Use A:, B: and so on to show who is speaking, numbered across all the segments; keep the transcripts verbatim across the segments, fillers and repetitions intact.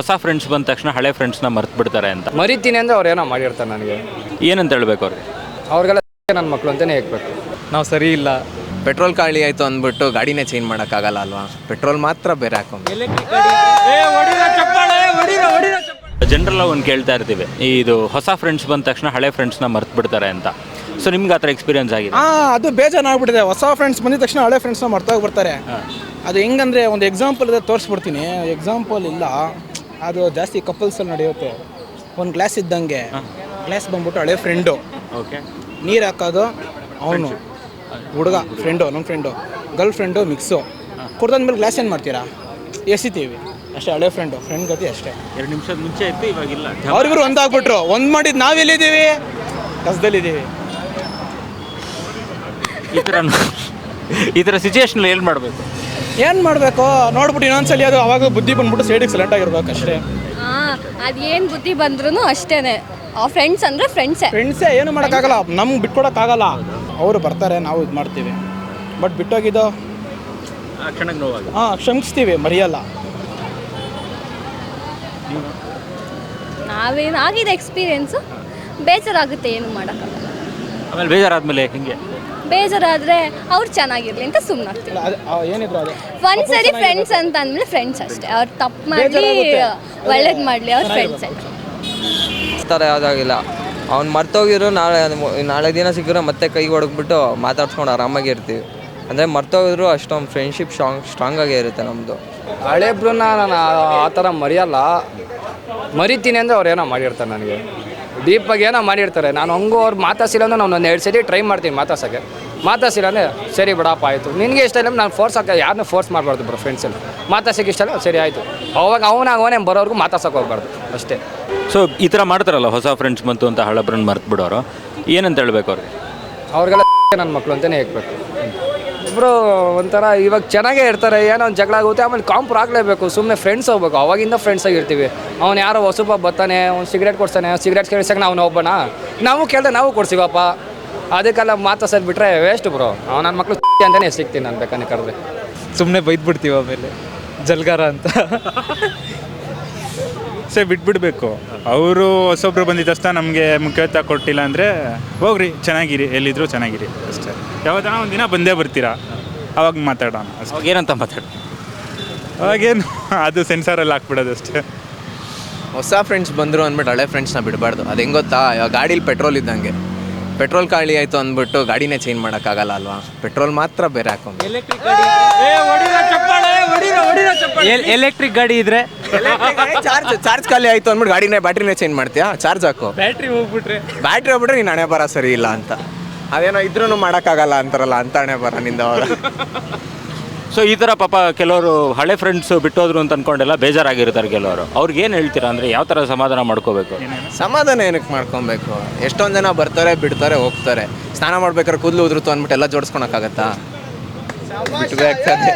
A: ಹೊಸ ಫ್ರೆಂಡ್ಸ್ ಬಂದ ತಕ್ಷಣ ಹಳೆ ಫ್ರೆಂಡ್ಸ್ನ ಮರ್ತು ಬಿಡ್ತಾರೆ ಅಂತ.
B: ಮರಿತೀನಿ ಅಂದರೆ ಅವ್ರು ಏನೋ ಮಾಡಿರ್ತಾರೆ ನನಗೆ.
A: ಏನಂತ ಹೇಳ್ಬೇಕು ಅವ್ರಿಗೆ?
B: ಅವ್ರಿಗೆಲ್ಲ ನನ್ನ ಮಕ್ಕಳು ಅಂತಲೇ ಹೇಳ್ಬೇಕು. ನಾವು ಸರಿ ಇಲ್ಲ,
C: ಪೆಟ್ರೋಲ್ ಖಾಲಿ ಆಯಿತು ಅಂದ್ಬಿಟ್ಟು ಗಾಡಿನೇ ಚೇಂಜ್ ಮಾಡೋಕ್ಕಾಗಲ್ಲ ಅಲ್ವಾ? ಪೆಟ್ರೋಲ್ ಮಾತ್ರ ಬೇರೆ ಹಾಕೊಂಡು
A: ಜನರಲ್ಲ ಒಂದು ಕೇಳ್ತಾ ಇರ್ತೀವಿ, ಇದು ಹೊಸ ಫ್ರೆಂಡ್ಸ್ ಬಂದ ತಕ್ಷಣ ಹಳೆ ಫ್ರೆಂಡ್ಸ್ನ ಮರ್ತು ಬಿಡ್ತಾರೆ ಅಂತ. ಸೊ ನಿಮ್ಗೆ ಆ ಥರ ಎಕ್ಸ್ಪೀರಿಯನ್ಸ್ ಆಗಿದೆ?
D: ಹಾಂ, ಅದು ಬೇಜಾರಾಗ್ಬಿಟ್ಟಿದೆ. ಹೊಸ ಫ್ರೆಂಡ್ಸ್ ಬಂದಿದ ತಕ್ಷಣ ಹಳೆ ಫ್ರೆಂಡ್ಸ್ನ ಮರ್ತೋಗ್ಬಿಡ್ತಾರೆ. ಅದು ಹೆಂಗಂದರೆ ಒಂದು ಎಕ್ಸಾಂಪಲ್ ಇದೆ, ತೋರಿಸ್ಬಿಡ್ತೀನಿ. ಎಕ್ಸಾಂಪಲ್ ಇಲ್ಲ, ಅದು ಜಾಸ್ತಿ ಕಪಲ್ಸಲ್ಲಿ ನಡೆಯುತ್ತೆ. ಒಂದು ಗ್ಲಾಸ್ ಇದ್ದಂಗೆ, ಗ್ಲಾಸ್ ಬಂದ್ಬಿಟ್ಟು ಹಳೆ ಫ್ರೆಂಡು,
A: ಓಕೆ,
D: ನೀರು ಹಾಕೋದು ಅವನು ಹುಡುಗ ಫ್ರೆಂಡು, ನಮ್ಮ ಫ್ರೆಂಡು ಗರ್ಲ್ ಫ್ರೆಂಡು ಮಿಕ್ಸು ಕುಡ್ದಾದ್ಮೇಲೆ ಗ್ಲಾಸ್ ಏನು ಮಾಡ್ತೀರಾ? ಎಸಿತೀವಿ ಅಷ್ಟೇ. ಹಳೆ ಫ್ರೆಂಡು ಫ್ರೆಂಡ್ ಗತಿ ಅಷ್ಟೇ.
A: ಎರಡು ನಿಮಿಷದ ಮುಂಚೆ ಇತ್ತು, ಇವಾಗಿಲ್ಲ.
D: ಅವ್ರಿಬ್ರು ಒಂದಾಗ್ಬಿಟ್ರು, ಒಂದು ಮಾಡಿದ್ದು ನಾವೆಲ್ಲಿದ್ದೀವಿ? ಕಸದಲ್ಲಿದ್ದೀವಿ.
A: ಈ ಥರ ಈ ಥರ ಸಿಚುವೇಶನಲ್ಲಿ ಏನು ಮಾಡಬೇಕು?
D: ಏನು ಮಾಡಬೇಕು ನೋಡ್ಬಿಟ್ಟು ಇನ್ನೊಂದ್ಸಲಿ ಅದು ಅವಾಗ ಬುದ್ಧಿ ಬಂದ್ಬಿಟ್ಟು ಸೈಡಿಗೆ ಸೈಲೆಂಟ್ ಆಗಿರ್ಬೇಕು ಅಷ್ಟೇ.
E: ಹಾಂ, ಅದೇನು ಬುದ್ಧಿ ಬಂದ್ರೂ ಅಷ್ಟೇ. ಫ್ರೆಂಡ್ಸ್ ಅಂದರೆ ಫ್ರೆಂಡ್ಸೇ.
D: ಫ್ರೆಂಡ್ಸೇ, ಏನು ಮಾಡೋಕ್ಕಾಗಲ್ಲ, ನಮ್ಗೆ ಬಿಟ್ಕೊಡೋಕ್ಕಾಗಲ್ಲ. ಅವರು ಬರ್ತಾರೆ, ನಾವು ಇದು ಮಾಡ್ತೀವಿ. ಬಟ್ ಬಿಟ್ಟೋಗಿದ್ದು
A: ಕ್ಷಣಕ್ಕೆ ನೋವಾಗ
D: ಹಾಂ ಕ್ಷಮಿಸ್ತೀವಿ, ಮರೆಯಲ್ಲ.
E: ನಾವೇನು ಆಗಿದೆ ಎಕ್ಸ್ಪೀರಿಯೆನ್ಸು, ಬೇಜಾರಾಗುತ್ತೆ, ಏನು ಮಾಡೋಕ್ಕಾಗಲ್ಲ.
A: ಆಮೇಲೆ ಬೇಜಾರಾದ್ಮೇಲೆ ಹಿಂಗೆ
E: ಬೇಜಾರಾದರೆ ಅವ್ರು ಚೆನ್ನಾಗಿರಲಿ ಅಂತ ಸುಮ್ಮನಾಗ್ತೀವಿ.
D: ಇಲ್ಲ, ಅದು ಏನಿದ್ರು ಅದೇ
E: ಒಂದ್ಸರಿ ಫ್ರೆಂಡ್ಸ್ ಅಂತ ಅಂದಮೇಲೆ ಫ್ರೆಂಡ್ಸ್ ಅಷ್ಟೇ. ಅವ್ರು ತಪ್ಪು ಮಾಡಲಿ ಒಳ್ಳೇದು ಮಾಡಲಿ, ಅವ್ರ ಫ್ರೆಂಡ್ಸೇ.
F: ಥರ ಯಾವುದಾಗಿಲ್ಲ. ಅವ್ನು ಮರ್ತೋಗಿದ್ರು ನಾಳೆ ನಾಳೆ ದಿನ ಸಿಕ್ಕಿದ್ರೆ ಮತ್ತೆ ಕೈ ಹೊಡಗ್ಬಿಟ್ಟು ಮಾತಾಡ್ಸ್ಕೊಂಡು ಆರಾಮಾಗಿ ಇರ್ತೀವಿ. ಅಂದರೆ ಮರ್ತೋಗಿದ್ರು ಅಷ್ಟೊಂದು ಫ್ರೆಂಡ್ಶಿಪ್ ಸ್ಟ್ರಾಂಗ್ ಸ್ಟ್ರಾಂಗಾಗೇ ಇರುತ್ತೆ ನಮ್ಮದು.
B: ಹಳೆಬ್ರನ್ನ ನಾನು ಆ ಥರ ಮರೆಯಲ್ಲ. ಮರಿತೀನಿ ಅಂದರೆ ಅವ್ರು ಏನೋ ಮಾಡಿರ್ತಾರೆ ನನಗೆ. ಡೀಪಾಗಿ ಏನೋ ಮಾಡಿರ್ತಾರೆ. ನಾನು ಹಂಗೂ ಅವ್ರು ಮಾತಾಡ್ಸಿಲ್ಲ ಅಂದ್ರೆ ನಾನು ಒಂದು ಎರಡು ಸರಿ ಟ್ರೈ ಮಾಡ್ತೀನಿ ಮಾತಾಡ್ಸೋಕ್ಕೆ. ಮಾತಾಡ್ಸಿಲ್ಲ ಅಂದರೆ ಸರಿ ಬಿಡಪ್ಪ ಆಯಿತು, ನಿನಗೆ ಇಷ್ಟ ಇಲ್ಲ ನಾನು ಫೋರ್ಸ್ ಹಾಕಿ ಯಾರನ್ನೂ ಫೋರ್ಸ್ ಮಾಡಬಾರ್ದು ಬ್ರೋ. ಫ್ರೆಂಡ್ಸಲ್ಲಿ ಮಾತಾಡ್ಸೋಕ್ಕೆ ಇಷ್ಟ ಇಲ್ಲ, ಸರಿ ಆಯಿತು. ಅವಾಗ ಅವನಾಗ ಅವನೇ ಬರೋರ್ಗು ಮಾತಾಡ್ಸೋಕೆ ಹೋಗ್ಬಾರ್ದು ಅಷ್ಟೇ.
A: ಸೊ ಈ ಥರ ಮಾಡ್ತಾರಲ್ಲ, ಹೊಸ ಫ್ರೆಂಡ್ಸ್ ಬಂತು ಅಂತ ಹಳಬ್ರನ್ನ ಮರ್ತು ಬಿಡೋರು, ಏನಂತ ಹೇಳ್ಬೇಕು ಅವ್ರಿಗೆ?
B: ಅವ್ರಿಗೆಲ್ಲ ನನ್ನ ಮಕ್ಕಳು ಅಂತಲೇ ಹೇಳ್ಬೇಕು. ಇಬ್ಬರು ಒಂಥರ ಇವಾಗ ಚೆನ್ನಾಗೇ ಇರ್ತಾರೆ, ಏನೋ ಒಂದು ಜಗಳ ಆಗುತ್ತೆ, ಆಮೇಲೆ ಕಾಂಪ್ರ ಆಗಲೇಬೇಕು. ಸುಮ್ಮನೆ ಫ್ರೆಂಡ್ಸ್ ಹೋಗ್ಬೇಕು, ಅವಾಗಿಂದ ಫ್ರೆಂಡ್ಸ್ ಆಗಿರ್ತೀವಿ. ಅವ್ನು ಯಾರೋ ಹೊಸಬ ಬರ್ತಾನೆ, ಅವ್ನು ಸಿಗರೇಟ್ ಕೊಡ್ತಾನೆ, ಸಿಗರೇಟ್ ಕೇಳಿಸಕ್ಕೆ ನಾವು ಹೋಗೋಣ, ನಾವು ಕೇಳಿದೆ ನಾವು ಕೊಡ್ಸಿವಪ್ಪ. ಅದಕ್ಕೆಲ್ಲ ಮಾತಾಡ್ಸೋದು ಬಿಟ್ಟರೆ ವೇಸ್ಟ್ ಬ್ರೋ. ಅವ್ನು ನನ್ನ ಮಕ್ಕಳು ಅಂತಲೇ ಸಿಗ್ತೀನಿ ನಾನು ಬೇಕಾನೆ ಕರೆದ್ರೆ.
G: ಸುಮ್ಮನೆ ಬೈದ್ಬಿಡ್ತೀವಿ ಆಮೇಲೆ ಜಲ್ಗಾರ ಅಂತ.
H: ಸೇ ಬಿಟ್ಬಿಡ್ಬೇಕು. ಅವರು ಹೊಸೊಬ್ರು ಬಂದಿದ್ದ ತಕ್ಷಣ ನಮಗೆ ಮುಖ್ಯತ್ವ ಕೊಟ್ಟಿಲ್ಲ ಅಂದರೆ ಹೋಗ್ರಿ, ಚೆನ್ನಾಗಿರಿ, ಎಲ್ಲಿದ್ರು ಚೆನ್ನಾಗಿರಿ ಅಷ್ಟೇ. ಯಾವತ್ತನ ಒಂದು ದಿನ ಬಂದೇ ಬರ್ತೀರಾ, ಅವಾಗ ಮಾತಾಡೋಣ ಅಷ್ಟೇ.
A: ಅವಾಗ ಏನಂತ ಮಾತಾಡ?
H: ಅವಾಗೇನು ಅದು ಸೆನ್ಸಾರಲ್ಲಿ ಹಾಕ್ಬಿಡೋದು ಅಷ್ಟೇ.
C: ಹೊಸ ಫ್ರೆಂಡ್ಸ್ ಬಂದರು ಅಂದ್ಬಿಟ್ಟು ಹಳೆ ಫ್ರೆಂಡ್ಸ್ನ ಬಿಡಬಾರ್ದು. ಅದು ಹೆಂಗೆ ಗೊತ್ತಾ, ಇವಾಗ ಗಾಡೀಲಿ ಪೆಟ್ರೋಲ್ ಇದ್ದಂಗೆ. ಪೆಟ್ರೋಲ್ ಖಾಲಿ ಆಯಿತು ಅಂದ್ಬಿಟ್ಟು ಗಾಡಿನೇ ಚೇಂಜ್ ಮಾಡೋಕ್ಕಾಗಲ್ಲ ಅಲ್ವಾ? ಪೆಟ್ರೋಲ್ ಮಾತ್ರ ಬೇರೆ ಹಾಕೊಂಡು.
A: ಎಲೆಕ್ಟ್ರಿಕ್ ಗಾಡಿ ಎಲೆಕ್ಟ್ರಿಕ್ ಗಾಡಿ ಇದ್ರೆ
C: ಚಾರ್ಜ್ ಚಾರ್ಜ್ ಖಾಲಿ ಆಯಿತು ಅಂದ್ಬಿಟ್ಟು ಗಾಡಿನೇ ಬ್ಯಾಟ್ರಿನೇ ಚೇಂಜ್ ಮಾಡ್ತೀಯಾ? ಚಾರ್ಜ್ ಹಾಕು.
A: ಬ್ಯಾಟ್ರಿ ಹೋಗ್ಬಿಟ್ರೆ
C: ಬ್ಯಾಟ್ರಿ ಹೋಗ್ಬಿಟ್ರೆ ನೀನು ಹಣೆ ಬರ ಸರಿ ಇಲ್ಲ ಅಂತ. ಅದೇನೋ ಇದ್ರೂ ಮಾಡೋಕ್ಕಾಗಲ್ಲ ಅಂತಾರಲ್ಲ, ಅಂತ ಹಣೆ ಬರ ನಿಂದ ಅವಾಗ.
A: ಸೊ ಈ ಥರ ಪಾಪ ಕೆಲವರು ಹಳೆ ಫ್ರೆಂಡ್ಸ್ ಬಿಟ್ಟೋದ್ರು ಅಂತ ಅಂದ್ಕೊಂಡೆಲ್ಲ ಬೇಜಾರಾಗಿರ್ತಾರೆ ಕೆಲವರು. ಅವ್ರಿಗೆ ಏನು ಹೇಳ್ತೀರಾ? ಅಂದರೆ ಯಾವ ಥರ ಸಮಾಧಾನ ಮಾಡ್ಕೋಬೇಕು?
C: ಸಮಾಧಾನ ಏನಕ್ಕೆ ಮಾಡ್ಕೊಬೇಕು? ಎಷ್ಟೊಂದು ಜನ ಬರ್ತಾರೆ, ಬಿಡ್ತಾರೆ, ಹೋಗ್ತಾರೆ. ಸ್ನಾನ ಮಾಡ್ಬೇಕಾದ್ರೆ ಕೂದಲು ಉದುರುತ್ತು ಅಂದ್ಬಿಟ್ಟು ಎಲ್ಲ ಜೋಡಿಸ್ಕೊಳಕ್ಕಾಗತ್ತಾ? ಬಿಟ್ಬೇಕಾಗ್ತದೆ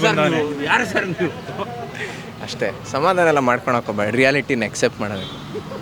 C: ಅಷ್ಟೇ. ಸಮಾಧಾನ ಎಲ್ಲ ಮಾಡ್ಕೊಳಕ್ಕೆ ಹೋಗ್ಬೇಡಿ, ರಿಯಾಲಿಟಿನ ಎಕ್ಸೆಪ್ಟ್ ಮಾಡೋದು.